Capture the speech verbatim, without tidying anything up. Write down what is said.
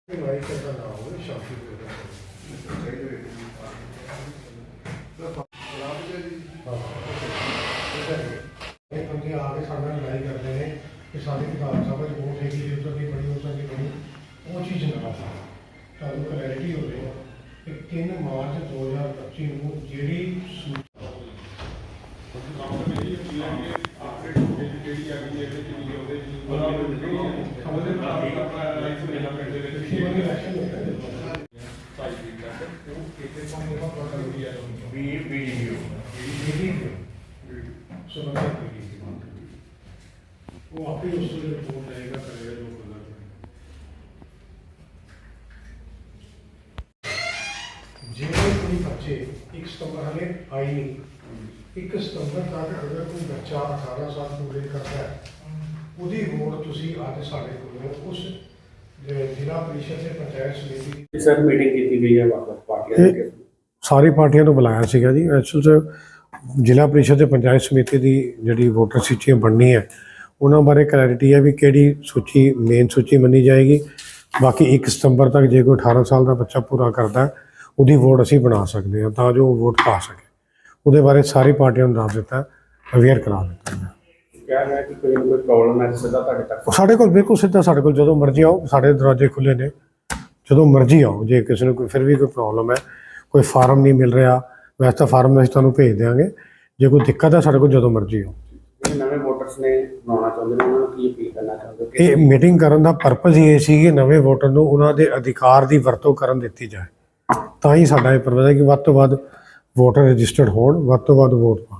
ਲੜਾਈ ਕਰਦਾ ਨਾ ਹੋਵੇ ਸ਼ਾਂਤੀ ਇਹ ਬੰਦੇ ਆ ਕੇ ਸਾਡੇ ਨਾਲ ਲੜਾਈ ਕਰਦੇ ਨੇ ਕਿ ਸਾਡੀ ਕਿਤਾਬ ਸਭਾ 'ਚ ਵੋਟ ਹੈਗੀ ਜੇ ਉੱਧਰ ਨਹੀਂ ਬਣੀ ਉੱਧਰ ਨਹੀਂ ਬਣੀ ਉਹ ਚੀਜ਼ ਨਾ ਤੁਹਾਨੂੰ ਕਲੈਰਿਟੀ ਹੋਵੇ ਕਿ ਤਿੰਨ ਮਾਰਚ ਦੋ ਹਜ਼ਾਰ ਪੱਚੀ ਨੂੰ ਜਿਹੜੀ वो आप ही उसको रिपोर्ट रहेगा करेगा जो करना जिन्हें कोई बच्चे एक सितंबर हमें आई नहीं एक सितंबर तक अगर कोई बच्चा अठारह साल पूरे करता है ਉਹਦੀ ਵੋਟ ਤੁਸੀਂ ਅੱਜ ਸਾਡੇ ਕੋਲ ਉਸ ਜ਼ਿਲ੍ਹਾ ਪ੍ਰੀਸ਼ਦ ਤੇ ਪੰਚਾਇਤ ਸਮਿਤੀ ਦੀ ਸਰ ਮੀਟਿੰਗ ਕੀਤੀ ਗਈ ਹੈ ਵੱਖ-ਵੱਖ ਪਾਰਟੀਆਂ ਦੀ ਸਾਰੀ ਪਾਰਟੀਆਂ ਨੂੰ ਬੁਲਾਇਆ ਸੀਗਾ ਜੀ ਐਕਚੁਅਲ 'ਚ ਜ਼ਿਲ੍ਹਾ ਪ੍ਰੀਸ਼ਦ ਤੇ ਪੰਚਾਇਤ ਸਮਿਤੀ ਦੀ ਜਿਹੜੀ ਵੋਟਰ ਸੂਚੀਆਂ ਬਣਨੀ ਹੈ ਉਹਨਾਂ ਬਾਰੇ ਕਲੈਰਿਟੀ ਹੈ ਵੀ ਕਿਹੜੀ ਸੂਚੀ ਮੇਨ ਸੂਚੀ ਮੰਨੀ ਜਾਏਗੀ। ਬਾਕੀ ਇੱਕ ਸਤੰਬਰ ਤੱਕ ਜੇ ਕੋਈ ਅਠਾਰਾਂ ਸਾਲ ਦਾ ਬੱਚਾ ਪੂਰਾ ਕਰਦਾ ਉਹਦੀ ਵੋਟ ਅਸੀਂ ਬਣਾ ਸਕਦੇ ਹਾਂ ਤਾਂ ਜੋ ਉਹ ਵੋਟ ਪਾ ਸਕੇ। ਉਹਦੇ ਬਾਰੇ ਸਾਰੀ ਪਾਰਟੀਆਂ ਨੂੰ ਦੱਸ ਦਿੱਤਾ, ਅਵੇਅਰ ਕਰਾ ਦਿੱਤਾ। ਕਿਹਾ ਹੈ ਕਿ ਕੋਈ ਕੋਈ ਪ੍ਰੋਬਲਮ ਹੈ ਸਿੱਧਾ ਤੁਹਾਡੇ ਤੱਕ ਸਾਡੇ ਕੋਲ ਬਿਲਕੁਲ ਸਿੱਧਾ ਸਾਡੇ ਕੋਲ ਜਦੋਂ ਮਰਜ਼ੀ ਆਓ, ਸਾਡੇ ਦਰਵਾਜ਼ੇ ਖੁੱਲ੍ਹੇ ਨੇ, ਜਦੋਂ ਮਰਜ਼ੀ ਆਓ। ਜੇ ਕਿਸੇ ਨੂੰ ਕੋਈ ਫਿਰ ਵੀ ਕੋਈ ਪ੍ਰੋਬਲਮ ਹੈ, ਕੋਈ ਫਾਰਮ ਨਹੀਂ ਮਿਲ ਰਿਹਾ, ਵੈਸੇ ਤਾਂ ਫਾਰਮ ਅਸੀਂ ਤੁਹਾਨੂੰ ਭੇਜ ਦਿਆਂਗੇ। ਜੇ ਕੋਈ ਦਿੱਕਤ ਹੈ ਸਾਡੇ ਕੋਲ ਜਦੋਂ ਮਰਜ਼ੀ ਆਓ। ਨਵੇਂ ਵੋਟਰਸ ਨੇ ਬਣਾਉਣਾ ਚਾਹੁੰਦੇ ਨੇ ਉਹਨਾਂ ਨੂੰ ਕੀ ਅਪੀਲ ਕਰਨਾ ਚਾਹੁੰਦੇ? ਇਹ ਮੀਟਿੰਗ ਕਰਨ ਦਾ ਪਰਪਸ ਇਹ ਸੀ ਕਿ ਨਵੇਂ ਵੋਟਰ ਨੂੰ ਉਹਨਾਂ ਦੇ ਅਧਿਕਾਰ ਦੀ ਵਰਤੋਂ ਕਰਨ ਦਿੱਤੀ ਜਾਏ। ਤਾਂ ਹੀ ਸਾਡਾ ਇਹ ਪਰਪਸ ਹੈ ਕਿ ਵੱਧ ਤੋਂ ਵੱਧ ਵੋਟਰ ਰਜਿਸਟਰਡ ਹੋਣ, ਵੱਧ ਤੋਂ ਵੱਧ ਵੋਟ ਪਾਉਣ।